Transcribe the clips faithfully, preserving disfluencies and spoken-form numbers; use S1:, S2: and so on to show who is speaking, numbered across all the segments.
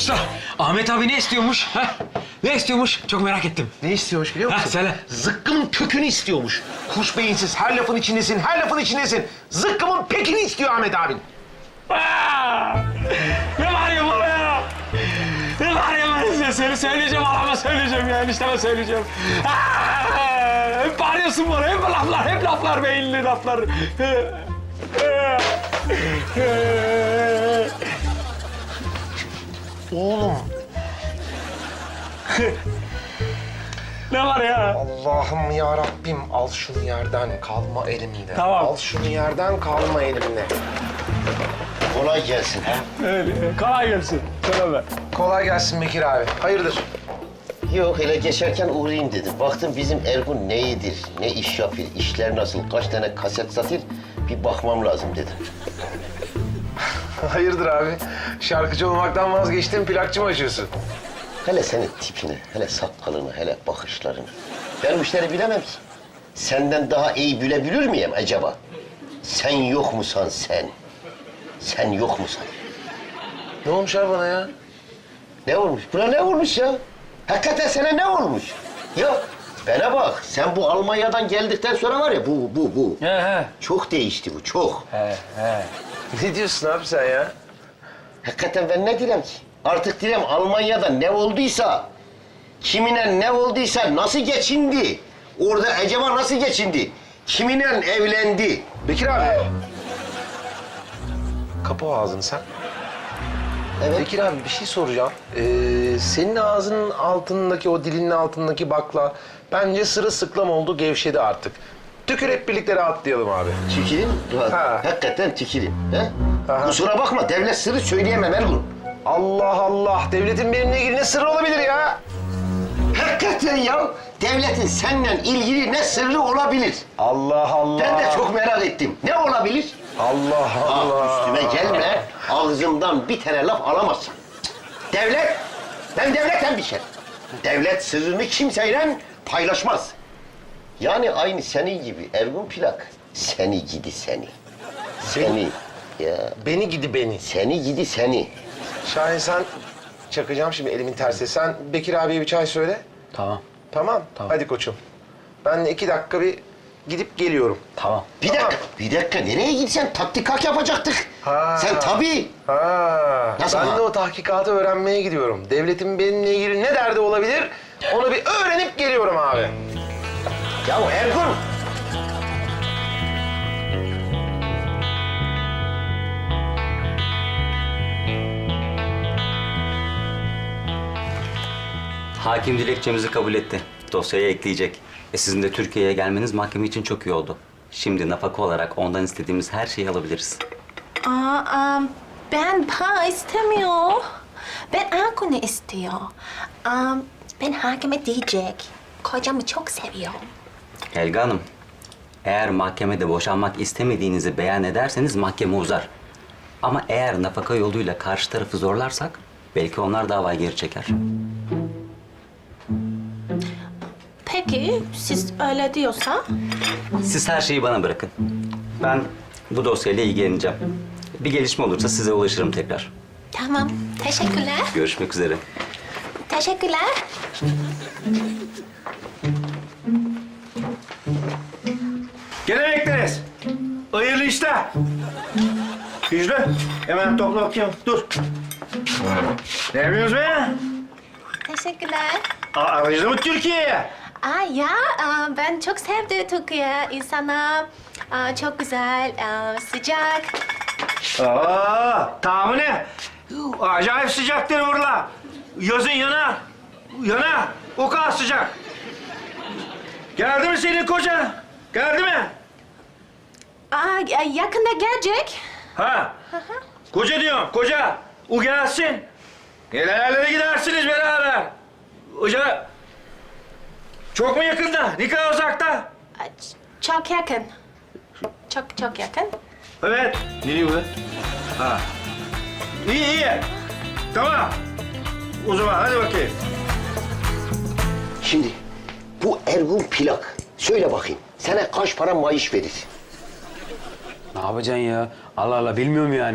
S1: Usta, Ahmet abi ne istiyormuş? Ha? Ne istiyormuş? Çok merak ettim.
S2: Ne istiyormuş biliyor musun?
S1: Ha, söyle.
S2: Zıkkımın kökünü istiyormuş. Kuş beyinsiz, her lafın içindesin, her lafın içindesin. Zıkkımın pekini istiyor Ahmet abin.
S1: Aa! Ne var ya bana ya? Ne var ya ben size seni söyleyeceğim, alama söyleyeceğim ya, enişteme söyleyeceğim. Aa! Hep bağırıyorsun bana, hep laflar, hep laflar, beyinli laflar.
S2: Oğlum.
S1: Ne var ya?
S2: Allah'ım ya Rabbim, al şunu yerden, kalma elimde.
S1: Tamam.
S2: Al şunu yerden, kalma elimde.
S3: Kolay gelsin. Ha?
S1: Öyle, kolay gelsin. Söyleme.
S2: Kolay gelsin Bekir abi. Hayırdır?
S3: Yok, hele geçerken uğrayayım dedim. Baktım bizim Ergun ne iyidir, ne iş yapıyor, işler nasıl, kaç tane kaset satır, bir bakmam lazım dedim.
S2: Hayırdır abi? Şarkıcı olmaktan vazgeçtin, plakçı mı açıyorsun?
S3: Hele senin tipini, hele sakalını, hele bakışlarını. Ben bu işleri bilemem ki. Senden daha iyi bilebilir miyim acaba? Sen yok musan sen? Sen yok musan?
S2: Ne olmuş abi bana ya?
S3: Ne olmuş? Buna ne olmuş ya? Hakikaten sana ne olmuş? Ya bana bak, sen bu Almanya'dan geldikten sonra var ya, bu, bu, bu.
S1: He he.
S3: Çok değişti bu, çok.
S1: He he.
S2: Ne diyorsun abi sen ya?
S3: Hakikaten ben ne diyeyim ki? Artık diyeyim Almanya'da ne olduysa, kimine ne olduysa nasıl geçindi? Orada acaba nasıl geçindi? Kiminle evlendi?
S2: Bekir abi. Kapa o ağzını sen.
S3: Evet.
S2: Bekir abi bir şey soracağım. Ee, senin ağzının altındaki, o dilinin altındaki bakla bence sırılsıklam oldu, gevşedi artık. Tükür hep birlikte rahatlayalım abi.
S3: Tükürün,
S2: Ha.
S3: hakikaten tükürün. He?
S2: Aha.
S3: Kusura bakma, devlet sırrı söyleyemem Ergun.
S2: Allah Allah, devletin benimle ilgili ne sırrı olabilir ya?
S3: Hakikaten ya, devletin seninle ilgili ne sırrı olabilir?
S2: Allah Allah.
S3: Ben de çok merak ettim. Ne olabilir?
S2: Allah Allah.
S3: Ah, üstüme gelme, ağzımdan bir tane laf alamazsın. Devlet, ben devletten bir şey. Devlet sırrını kimseyle paylaşmaz. Yani aynı senin gibi Ergun Plak. Seni gidi seni. Seni. Ya
S2: Beni gidi beni.
S3: seni gidi seni.
S2: Şahin sen, çakacağım şimdi elimin tersi. Sen Bekir abiye bir çay söyle.
S1: Tamam,
S2: Tamam.
S1: Tamam.
S2: Hadi koçum. Ben de iki dakika bir gidip geliyorum.
S1: tamam.
S3: Bir
S2: Tamam.
S3: dakika, bir dakika. Nereye gitsen tatbikat yapacaktık.
S2: Ha.
S3: Sen tabii.
S2: Ha.
S3: Nasıl
S2: ben
S3: ha?
S2: de o tahkikatı öğrenmeye gidiyorum. Devletin benimle ilgili ne derdi olabilir? Onu bir öğrenip geliyorum abi.
S3: Ya Ergun.
S4: Hakim dilekçemizi kabul etti. Dosyaya ekleyecek. E sizin de Türkiye'ye gelmeniz mahkeme için çok iyi oldu. Şimdi nafaka olarak ondan istediğimiz her şeyi alabiliriz.
S5: Aa, am, ben para istemiyor. Ben Ergun'u istiyor. Am, ben hakime diyecek. Kocamı çok seviyorum.
S4: Helga Hanım, eğer mahkemede boşanmak istemediğinizi beyan ederseniz mahkeme uzar. Ama eğer nafaka yoluyla karşı tarafı zorlarsak belki onlar davayı geri çeker.
S5: Peki, siz öyle diyorsa?
S4: Siz her şeyi bana bırakın. Ben bu dosyayla ilgileneceğim. Bir gelişme olursa size ulaşırım tekrar.
S5: Tamam, teşekkürler.
S4: Görüşmek üzere.
S5: Teşekkürler.
S6: Gene bekleriz. Hayırlı işler. Güçlü, hemen topla bakayım. Dur. Ne yapıyorsunuz be?
S5: Teşekkürler.
S6: Aa, aracı mı Türkiye'ye?
S5: Aa, ya, aa, ben çok sevdim Türkiye. İnsanlar aa, çok güzel, aa, sıcak.
S6: Aa, tahmini. Acayip sıcaktır burada. Yazın yanar. Yanar. O kadar sıcak. Geldi mi senin kocan? Geldi mi?
S5: Aa, yakında gelecek.
S6: Ha? Koca diyorum, koca. O gelsin. Gelenlerle gidersiniz beraber. Hoca, çok mu yakında? Ne kadar uzakta?
S5: Aa, ç- Çok yakın. Çok çok yakın.
S6: Evet. Nereye bu? Ha. İyi, iyi. Tamam. O zaman hadi bakayım.
S3: Şimdi bu Ergun Plak. Söyle bakayım. Sana kaç para maaş verir?
S1: Ne yapacaksın ya? Allah Allah, bilmiyorum yani.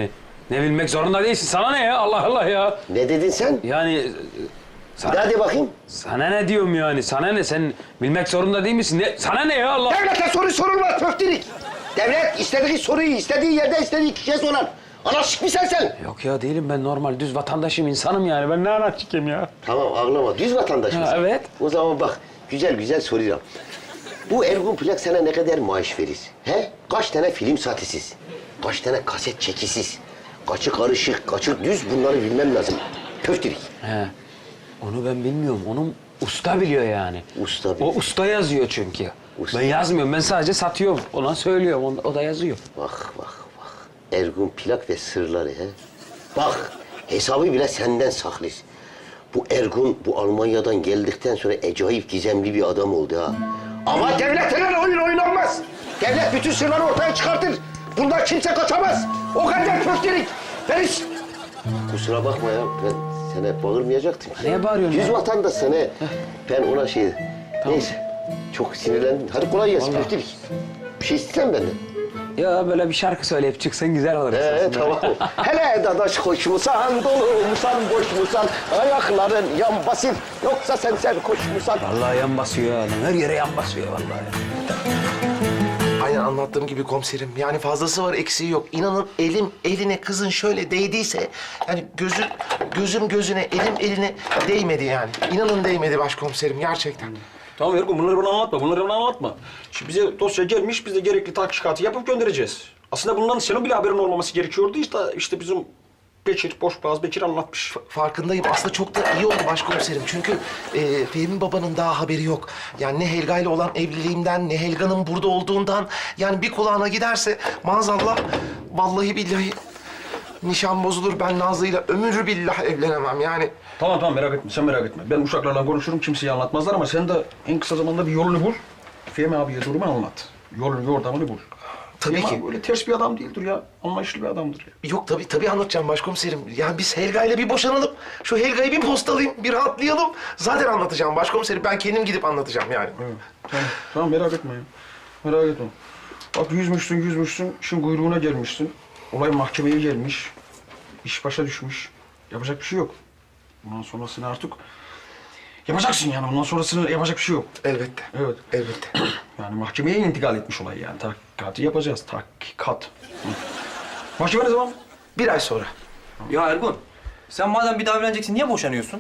S1: Ne bilmek zorunda değilsin. Sana ne ya? Allah Allah ya.
S3: Ne dedin sen?
S1: Yani e,
S3: Bir
S1: sana,
S3: daha de bakayım.
S1: sana ne diyorum yani? Sana ne? Sen bilmek zorunda değil misin? Ne, sana ne ya Allah?
S3: Devlete soru sorulmaz köftelik. Devlet istediği soruyu istediği yerde istediği kişiye sorar. Anarşik misin sen?
S1: Yok ya değilim ben normal düz vatandaşım insanım yani. Ben ne anarşikim ya?
S3: Tamam ağlama. Düz vatandaş
S1: Ha,
S3: mısın?
S1: evet.
S3: O zaman bak güzel güzel soruyorum. Bu Ergun Plak sana ne kadar maaş verir? He? Kaç tane film sahtesiz? Kaç tane kaset çekisiz? Kaçı karışık, kaçı düz bunları bilmem lazım. Köftelik.
S1: He. Onu ben bilmiyorum. Onu usta biliyor yani.
S3: Usta biliyor.
S1: O usta yazıyor çünkü.
S3: Usta.
S1: Ben yazmıyorum. Ben sadece satıyorum. Ona söylüyorum. O, o da yazıyor.
S3: Bak bak bak. Ergun Plak ve sırları he. Bak hesabı bile senden saklıyız. Bu Ergun bu Almanya'dan geldikten sonra acayip gizemli bir adam oldu ha. Ama devletle oyun oynanmaz. Devlet bütün sırları ortaya çıkartır. Bundan kimse kaçamaz. O kadar köftelik. Ben hiç... Kusura bakma ya. Ben sana bağırmayacaktım.
S1: Neye bağırıyorsun
S3: Yüz
S1: ya?
S3: vatandaşsın he. Ben ona şey... Neyse. Çok sinirlendim. Hadi kolay gelsin
S1: Vallahi.
S3: köftelik. Bir şey istesen benden.
S1: Ya böyle bir şarkı söyleyip çıksan güzel olur.
S3: Ee,
S1: aslında.
S3: tamam. Hele dadaş koş musan, dolu musan, boş musan, ayakların yan basın, yoksa sen sen koş musan.
S1: Vallahi yan basıyor ya adam. Her yere yan basıyor vallahi.
S2: Aynen anlattığım gibi komiserim. Yani fazlası var, eksiği yok. İnanın elim eline kızın şöyle değdiyse... ...yani gözüm, gözüm gözüne, elim eline değmedi yani. İnanın değmedi başkomiserim gerçekten.
S7: Tamam Ergun bunları bana anlatma, bunları bana anlatma. Şimdi bize dosya gelmiş, biz de gerekli tahkikatı yapıp göndereceğiz. Aslında bundan senin bile haberin olmaması gerekiyordu. İşte, işte bizim Bekir, Boşboğaz Bekir anlatmış.
S2: Farkındayım. Aslında çok da iyi oldu başkomiserim. Çünkü e, Fehmi babanın daha haberi yok. Yani ne Helga ile olan evliliğimden, ne Helga'nın burada olduğundan... ...yani bir kulağına giderse maazallah... ...vallahi billahi nişan bozulur. Ben Nazlı'yla ömür billah evlenemem yani.
S7: Tamam tamam merak etme, sen merak etme. Ben uşaklarla konuşurum, kimseye anlatmazlar ama sen de en kısa zamanda bir yolunu bul. Fehmi abiye durumu anlat. Yolunu, yordamını bul.
S2: Tabii
S7: Fehmi
S2: ki.
S7: abi böyle ters bir adam değildir ya. Anlayışlı bir adamdır ya.
S2: Yok tabii tabii anlatacağım başkomiserim. Yani biz Helga ile bir boşanalım. Şu Helga'yı bir postalayayım, bir rahatlayalım. Zaten anlatacağım başkomiserim. Ben kendim gidip anlatacağım yani.
S7: Evet, tamam, tamam merak etme ya. Merak etme. Bak yüzmüşsün, yüzmüşsün, şimdi kuyruğuna gelmişsin. Olay mahkemeye gelmiş. İş başa düşmüş. Yapacak bir şey yok. Bundan sonrasını artık yapacaksın yani. Ondan sonrasını yapacak bir şey yok.
S2: Elbette.
S7: Evet.
S2: Elbette.
S7: Yani mahkemeye intikal etmiş olay yani. Tahkikatı yapacağız. Tahkikat. Hı. Mahkeme ne zaman?
S2: Bir ay sonra.
S8: Ya Ergun, sen madem bir daha evleneceksin niye boşanıyorsun?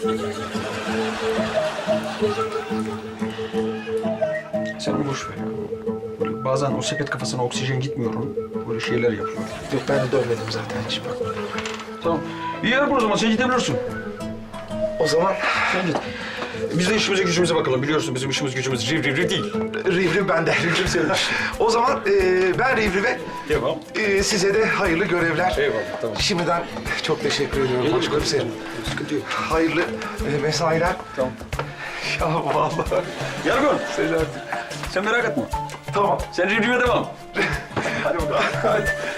S7: Sen onu boş ver ya. Böyle bazen o sepet kafasına oksijen gitmiyor onun. Böyle şeyler yapıyor.
S2: Yok ben de dönmedim zaten hiç bak.
S7: Tamam. İyi Ergun o zaman sen gidebilirsin.
S2: O zaman
S7: Sen git. Biz de işimize gücümüze bakalım. Biliyorsun bizim işimiz gücümüz riv riv riv değil.
S2: Rivriv bende. Rivriv senin. O zaman e, ben Rivriv'e,
S7: Devam.
S2: e, size de hayırlı görevler.
S7: Eyvallah, tamam.
S2: Şimdiden çok teşekkür ediyorum başkomiserim.
S7: Sıkıntı yok.
S2: Hayırlı e, mesailer.
S7: Tamam.
S2: Ya vallahi.
S7: Ergun
S2: Selahattin.
S7: sen merak etme.
S2: Tamam.
S7: Sen riv riv'e devam.
S2: Hadi bakalım. Hadi.